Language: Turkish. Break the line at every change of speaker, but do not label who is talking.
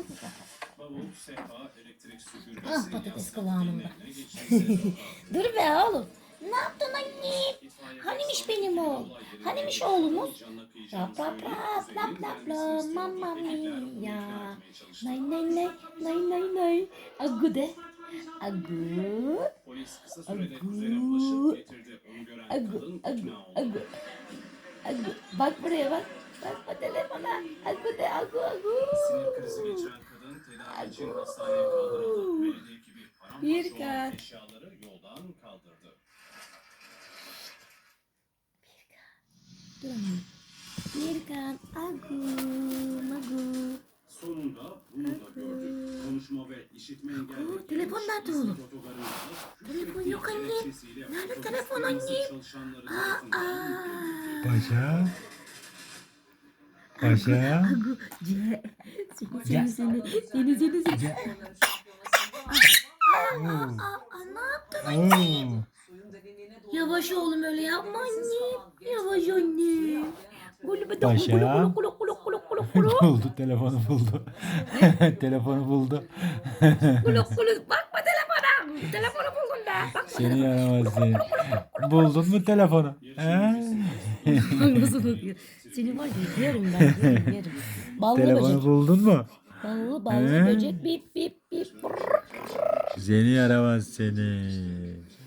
Bavul, sehpa, elektrik süpürgesi,
Ah patates
yastık,
kıvamında.
dinlenme, geçimsel
Dur be oğlum. Ne yaptın anne? Hanimiş benim oğul? Hanimiş oğlumuz? Rap rap rap lap lap la mamma mia. Nay nay nay nay nay nay. Agu de. Agu.
Polis kısa sürede kuzene ulaşıp
Agu.
getirdi. Onu gören
Agu.
kadın
Agu.
ikna oldu.
Agu. Agu. Bak buraya bak. Bakma telefona. Agu de agu agu.
Sinir krizi geçiren kadın tedavi için hastaneye kaldırıldı. Belediye ekibi paramparça olan
Birkan.
eşyaları yoldan kaldırdı.
Duramıyorum. Birkan. Agu. Magu.
Sonunda bunu da gördük. Konuşma ve işitme engelli.
Telefon nerede oğlum? Telefon yok anne. Nerede telefon anne?
Paşa. Paşa.
Agu. Seni. Ne yaptın anne? Yavaş oğlum öyle yapma anne. Yavaş anne.
Paşa.
Kulu kulu kulu kulu kulu.
Buldu telefonu buldu. Telefonu buldu.
Kulu kulu. Bakma telefona. Telefonu buldun da. Bakma
Seni yaramaz seni. Buldun mu telefonu? He?
Nasıl bakıyor? Seni var ya yerim ben yerim. Ballı
Telefonu
böcek.
buldun mu?
Ballı
He?
böcek bip bip bip.
Seni yaramaz seni.